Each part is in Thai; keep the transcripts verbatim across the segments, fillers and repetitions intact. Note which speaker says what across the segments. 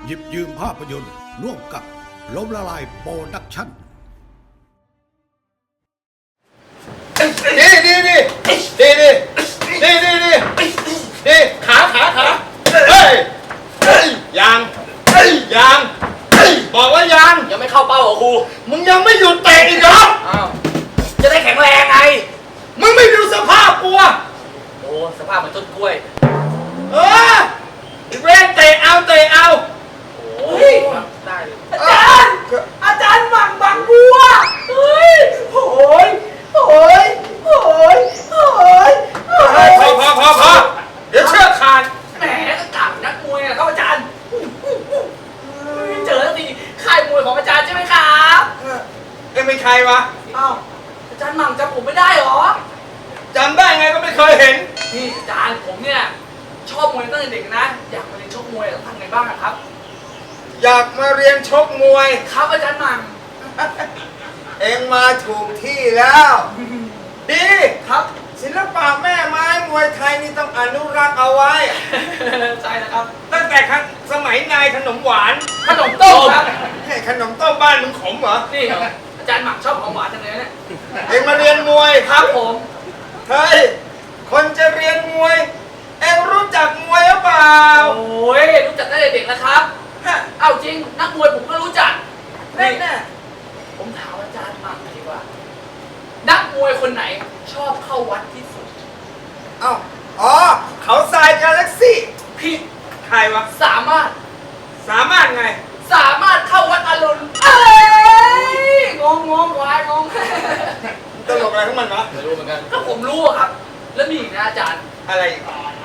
Speaker 1: หยิบยืมภาพยนตร์ร่วมกับล้มละลายโปรดักชั่น
Speaker 2: นี่นี่นี่นี่นี่นี่นี่นี่นี่ขาขาขาเฮ้ยยังยังบอกว่ายัง
Speaker 3: ยังไม่เข้าเป้าเหรอครู
Speaker 2: มึงยังไม่หยุดเตะอีกเหรอ
Speaker 3: อ้าวจะได้แข็งแรงไง
Speaker 2: มึงไม่ดูสภาพกูอะ
Speaker 3: โอ้สภาพเหมือนต้นกล้วย
Speaker 2: เออเว้นเตะเอาเตะเอา
Speaker 3: โอ้ยได้เลย
Speaker 4: อาจารย์อาจารย์หมั่งบางบัวเฮ้ยโหยโหยโหยโหย
Speaker 2: พอพอพอพอเดี๋ยวเชือกขาด
Speaker 3: แหมก็กล่าวนักมวยอะครับอาจารย์เจอแล้วสิค่ายมวยของอาจารย์ใช่ไหมครับ
Speaker 2: เอ็งเป็นใครวะ
Speaker 3: อ้าวอาจารย์หมั่งจำผมไม่ได้หรอ
Speaker 2: จำได้ไงก็ไม่เคยเห็น
Speaker 3: นี่อาจารย์ผมเนี่ยชอบมวยตั้งแต่เด็กนะอยากมาเรียนชกมวยต้องทำไงบ้างครับ
Speaker 2: อยากมาเรียนชกมวย
Speaker 3: ครับอาจารย์หมั่ง
Speaker 2: เอ็งมาถูกที่แล้ว ดี
Speaker 3: ครับ
Speaker 2: ศิลปะแม่ไม้มวยไทยนี่ต้องอนุรักษ์เอาไว้
Speaker 3: ใช่แล้วครับ
Speaker 2: ตั้งแต่ครั้งสมัยนายขนมหวาน
Speaker 3: ขนมต้มครับ
Speaker 2: ให้ขนมต้มบ้านมึงขมเหรอ
Speaker 3: นี่ครับอาจารย์หมั่งชอบของหวานจังเลยเนี่ย
Speaker 2: เอ็งมาเรียนมวย
Speaker 3: ครับผม
Speaker 2: เฮ้ยคนจะเรียนมวยเอ็งรู้จักมวยหรือเปล่า
Speaker 3: โอ้ยรู้จักตั้งแต่เด็กแล้วครับเอาจริงนักมวยผมก็รู้จัก
Speaker 2: แน่แน่
Speaker 3: ผมถามอาจารย์หมั่งดีกว่านักมวยคนไหนชอบเข้าวัดที่สุด
Speaker 2: เอ้าอ๋อเขาทรายกาแล็กซี่
Speaker 3: ผิด
Speaker 2: ใครวะ
Speaker 3: สามารถ
Speaker 2: สามารถไง
Speaker 3: สามารถเข้าวัดอรุณเอ้ยงงงงวายงง
Speaker 2: ตลกอะไรของมันวะ
Speaker 3: ไม่รู้เหมือนกันก็ผมรู้ครับแล้วมีอีกนะอาจารย์
Speaker 2: อะไรอีก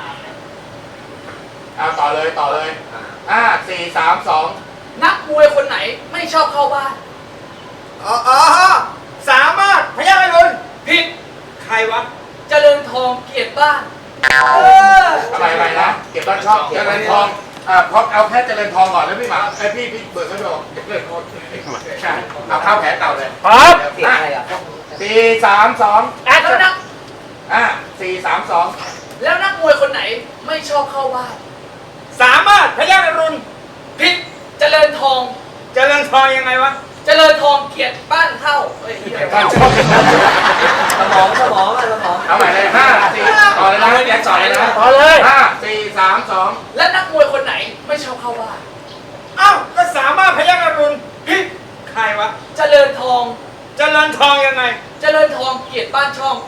Speaker 5: เอาต่อเลยต่อเลยห้าสี่สามสอง
Speaker 3: นักมวยคนไหนไม่ชอบเข้าบ้าน
Speaker 2: อ๋ออ๋อสามารถพยัคฆ์ไอรุณ
Speaker 3: ผิด
Speaker 2: ใครวะ
Speaker 3: เจริญทองเกียรติบ้าน
Speaker 5: เอออะไรอะไรนะเก็บบ้านชอบเจริญทองอ่าพอเอาแค่เจริญทองก่อนแล้วพี่หมาไอพี่พี่เบิร์ดเขาบอกเจริญทองใช่เอาข้าวแผลเก่าเลย
Speaker 2: ครับ
Speaker 5: สี่สามสอง
Speaker 3: แล้วนัก
Speaker 5: อ่าสี่สามสอง
Speaker 3: แล้วนักมวยคนไหนไม่ชอบเข้าบ้าน
Speaker 2: สามารถพยัคฆ์ไอรุณ
Speaker 3: ผิดเจริญทอง
Speaker 2: เจริญทองยังไงวะ
Speaker 3: เจริญทองเกียรติบ้านเข้าเฮ้ย
Speaker 5: บ้านชอบ
Speaker 4: สมองสมองอะสมอง
Speaker 5: เอาใหม่เลยห้าสี่ต่อเลยนะแยกต่อเลยนะ
Speaker 2: ต่อเลย
Speaker 5: ห้าสี่สามสอง
Speaker 3: และนักมวยคนไหนไม่ชอบเข้าบ้าน
Speaker 2: เอ้าก็สามารถพยัคฆ์ไอรุณผิดใครวะ
Speaker 3: เจริญทอง
Speaker 2: เจริญทองยังไง
Speaker 3: เจริญทองเกียรติบ้านช่อง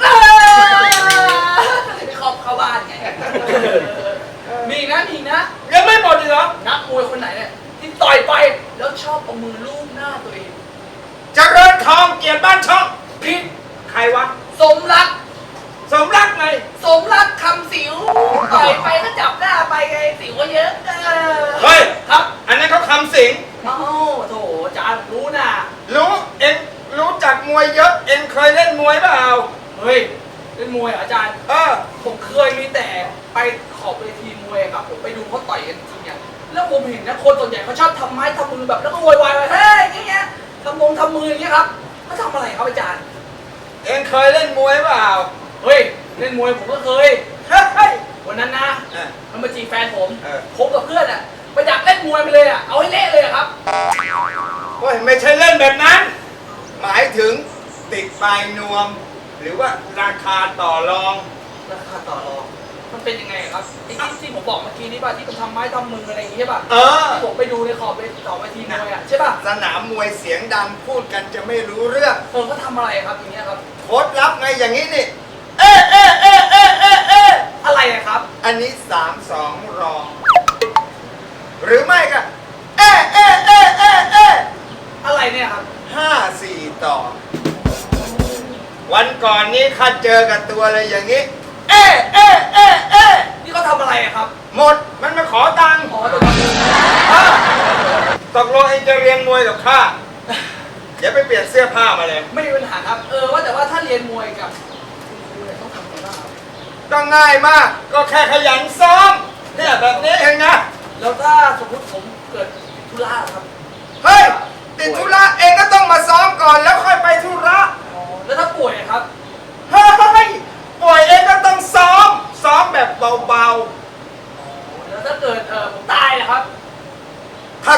Speaker 3: ไม่ครอบเข้าบ้านไงมีนะมีนะ
Speaker 2: ยังไม่หมดอีกเหรอ
Speaker 3: นักมวยคนไหนเนี่ยที่ต่อยไปแล้วชอบเอามือลูบหน้าตัวเอง
Speaker 2: เจริญทองเกียรติบ้านช่อง
Speaker 3: ผิด
Speaker 2: ใครวะ
Speaker 3: สมรัก
Speaker 2: สมรักไง
Speaker 3: สมรักคำสิวต่อยไปก็จับหน้าไปไงสิวก็เยอะ
Speaker 2: เฮ้ย
Speaker 3: ครับ
Speaker 2: อันนั้นเขาคำสิง
Speaker 3: เอ้าโถอาจารย์รู้นะ
Speaker 2: รู้เอ็งรู้จักมวยเยอะเอ็งเคยเล่นมวยเปล่า
Speaker 3: เฮ้ยเล่นมวยอาจารย์
Speaker 2: เออ
Speaker 3: ผมเคยมีแต่ไปขอบเวทีมวยครับผมไปดูเขาต่อยกันจริงอย่างแล้วผมเห็นนะคนส่วนใหญ่เขาชอบทำไม้ทำมือแบบแล้วก็โวยวายไปเฮ้ยอย่างเงี้ยทำมงทำมืออย่างเงี้ยครับเขาทำอะไรครับอาจารย์
Speaker 2: เอ็งเคยเล่นมวยเปล่า
Speaker 3: เฮ้ยเล่นมวยผมก็เคย
Speaker 2: เฮ้ย
Speaker 3: วันนั้นนะมันมาจีบแฟนผม
Speaker 2: ผ
Speaker 3: มกับเพื่อนอ่ะไปดักเล่นมวยไปเลยอ่ะเอาให้เละเลยครับ
Speaker 2: เฮ้ยไม่ใช่เล่นแบบนั้นหมายถึงติดปลายนวมหรือว่าราคาต่อรอง
Speaker 3: ราคาต่อรองมันเป็นยังไงครับไอ้ที่ที่ผมบอกเมื่อกี้นี้ป่ะที่มันทำไม้ทำมืออะไรอย่างงี้ใช่ป่ะ
Speaker 2: เออ
Speaker 3: ที่ผมไปดูในขอบไปต่อไปทีมวยอ่ะใช่ป่ะ
Speaker 2: สนามมวยเสียงดังพูดกันจะไม่รู้เรื่อง
Speaker 3: เออเขาทำอะไรครับอย่างเงี้ยครับ
Speaker 2: โค้ดลับไงอย่างนี้นี่เอ๊ะเอ๊ะเอ๊ะเอ๊ะเอ๊ะเอ๊ะ
Speaker 3: อะไรอะครับ
Speaker 2: อันนี้สามสองรองหรือไม่ก็เอ๊ะเอ๊ะเอ๊ะเอ๊ะเอ๊ะ
Speaker 3: อะไรเนี่ยครับ
Speaker 2: ห้าสี่ต่อวันก่อนนี้ข้าเจอกับตัวอะไรอย่างนี้เอ๊ะเอ๊ะเอ๊ะเอ๊ะ
Speaker 3: นี่เขาทำอะไรครับ
Speaker 2: หมดมันมาขอตังค์
Speaker 3: ขอตังค์
Speaker 2: ตกลงเองจะเรียนมวยกับข้าเดี๋ยวไปเปลี่ยนเสื้อผ้ามาเลย
Speaker 3: ไม่มีปัญหาครับเออว่าแต่ว่าถ้าเรียนมวยกับคุณครูเนี่ยต้องทำอะไรบ้างครับ
Speaker 2: ก็ง่ายมากก็แค่ขยันซ้อมเนี่ยแบบนี้เองนะ
Speaker 3: แล้วถ้าสมมติผมเกิดธุระครับ
Speaker 2: เฮ้ยติดธุระเองก็ต้องมาซ้อมก่อนแล้วค่อยไปธุระ
Speaker 3: แล้วถ้าป่วยครับ
Speaker 2: เฮ้ยป่วยเองก็ต้องซ้อมซ้อมแบบเบา
Speaker 3: ๆแล้วถ้าเกิดเออผมตายนะครับ
Speaker 2: ถ้า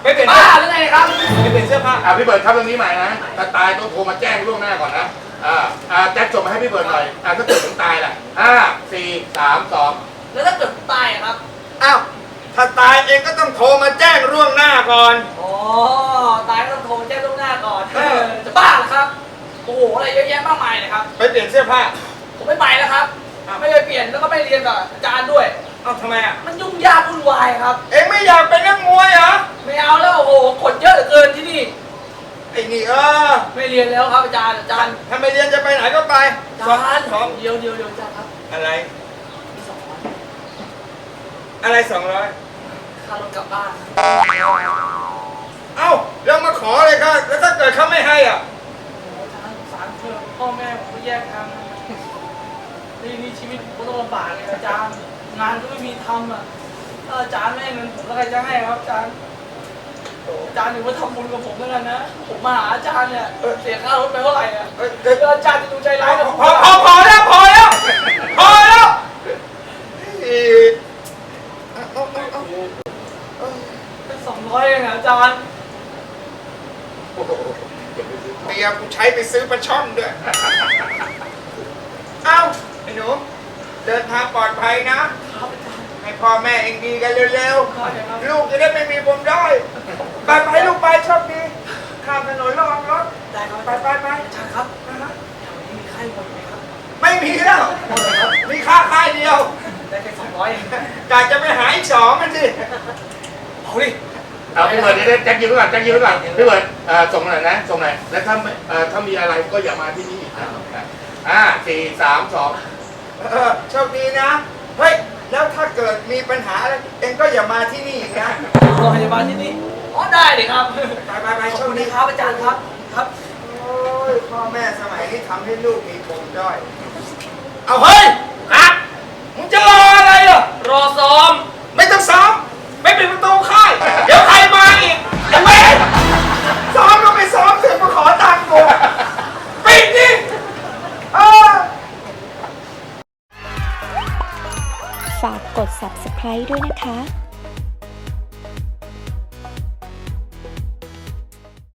Speaker 2: ไปเปลี่ยน
Speaker 3: บ้าหรือไงครับ
Speaker 2: ไปเปลี่ยนเสื้อผ้า
Speaker 5: อ่าพี่เบิร์ดครับตรงนี้ใหม่นะถ้าตายต้องโทรมาแจ้งล่วงหน้าก่อนนะอ่าอ่าแจ็คส่งมาให้พี่เบิร์ดหน่อยอ่าถ้าเกิดถึงตายล่ะห้าสี่สามสอง
Speaker 3: แล้วถ้าเกิดตายอะครับ
Speaker 2: อ้าวถ้าตายเองก็ต้องโทรมาแจ้งล่วงหน้าก่อน
Speaker 3: อ๋อตายก็ต้องโทรมาแจ้งล่วงหน้าก่อน
Speaker 2: เออ
Speaker 3: จะบ้าเหรอครับโอ้โหอะไรเยอะแยะมากมายเลยครับ
Speaker 2: ไปเปลี่ยนเสื้อผ้า
Speaker 3: ผมไม่ไปแล้วครับไม่ไปเปลี่ยนแล้วก็ไม่เรียนกับอาจารย์ด้วย
Speaker 2: เอ้าทำไมอ่ะ
Speaker 3: มันยุ่งยากวุ่นวายครับ
Speaker 2: เองไม่อยากเป็นนักมวยเหรอ
Speaker 3: ไม่เอาแล้วโอ้โหคนเยอะเหลือเกินที่นี่
Speaker 2: ไอ้นี่เออ
Speaker 3: ไม่เรียนแล้วครับอาจารย์อาจารย์
Speaker 2: ถ้าไม่เรียนจะไปไหนก็ไป
Speaker 3: อาจารย์
Speaker 2: สอง
Speaker 3: เดี๋ยวเดี๋ยวเดี๋ยวอาจารย์ครับ
Speaker 2: อะไร
Speaker 3: มีสองร้อย
Speaker 2: อะไรสองร้อย
Speaker 3: ค่ารถกลับบ้านครับ
Speaker 2: เอ้าแล้วมาขอเลยครับแล้วถ้าเกิดเขาไม่ให้อ่ะ
Speaker 3: โอ้โหอาจารย์สงสารเธอพ่อแม่ผมก็แยกทางกันนี่นี่ชีวิตผมก็ต้องลำบากเลยอาจารย์งานก็ไม่มีทำอ่ะถ้าอาจารย์ไม่ให้เงินผมแล้วใครจะให้ครับอาจารย์โอ้อาจารย์ถือว่าทำบุญกับผมแล้วกันนะผมมาหาอาจารย์เนี่ยเสียค่ารถไปเท่าไหร่อ่ะ
Speaker 2: เอ้ย
Speaker 3: เดี๋ยวอาจารย์จะดูใจร้ายกับผม
Speaker 2: พอพอพอแล้วพอแล้วพอแล้วอีเอาเอาเอาเอาเอา
Speaker 3: เป็นสองร้อยเองอะอาจารย์
Speaker 5: โอ้โหเก็บไปซื้อ
Speaker 2: เมียกูใช้ไปซื้อปลาช่อนด้วย เอ้าไอ้หนูเดินทางปลอดภัยนะ
Speaker 3: ครับอาจารย์
Speaker 2: ให้พ่อแม่เองดีกันเร็ว
Speaker 3: ครับครับ
Speaker 2: ๆ ลูกจะได้ไม่มีปมด้อยไปไปลูกไปโชคดีข้ามถนนระวังรถ
Speaker 3: ได้ครับ
Speaker 2: ไปไปไป
Speaker 3: อาจารย์ครับแถวนี้มีค่ายมวยไหมครับ
Speaker 2: ไม่มีแล้ว
Speaker 3: หมดเลยครับ
Speaker 2: มีค่าค่ายเดียว
Speaker 3: ได้แค่สองร้อยเอง
Speaker 2: กะจะไปหาอีกสองกันสิ
Speaker 3: เอาดิ
Speaker 5: เอาพี่เบิร์ดเดี๋ยวแจ็คยืนไว้ก่อนแจ็คยืนไว้ก่อนพี่เบิร์ดเอ่อส่งหน่อยนะส่งหน่อยแล้วถ้าไม่เอ่อถ้ามีอะไรก็อย่ามาที่นี่อีกนะอ่าสี่สามสอง
Speaker 2: เออโชคดีนะ เฮ้ย แล้วถ้าเกิดมีปัญหาอะไรเองก็อย่ามาที่นี่อีกนะ
Speaker 3: โรงพยาบาลที่นี่อ๋อได้เลยครับ
Speaker 2: ไปไปไป
Speaker 3: ข
Speaker 2: โช
Speaker 3: อบ
Speaker 2: ค
Speaker 3: คุณ
Speaker 2: ดี
Speaker 3: ครับอาจารย์ครับครับ
Speaker 2: โอ้ยพ่อแม่สมัยนี้ทำให้ลูกมีปมด้อย เอาเฮ้ยครับมึงจะรออะไรอ่ะ
Speaker 3: รอซ้อม
Speaker 2: ไม่ต้องซ้อมไม่ปิดประตูค่าย เดี๋ยวใครมาอีกจะไม่ซ้อมก็ไม่ซ้อมเสือกมาขอตังค์กูปิดดิเออ
Speaker 6: ฝากกด ซับสไครบ์ ด้วยนะคะ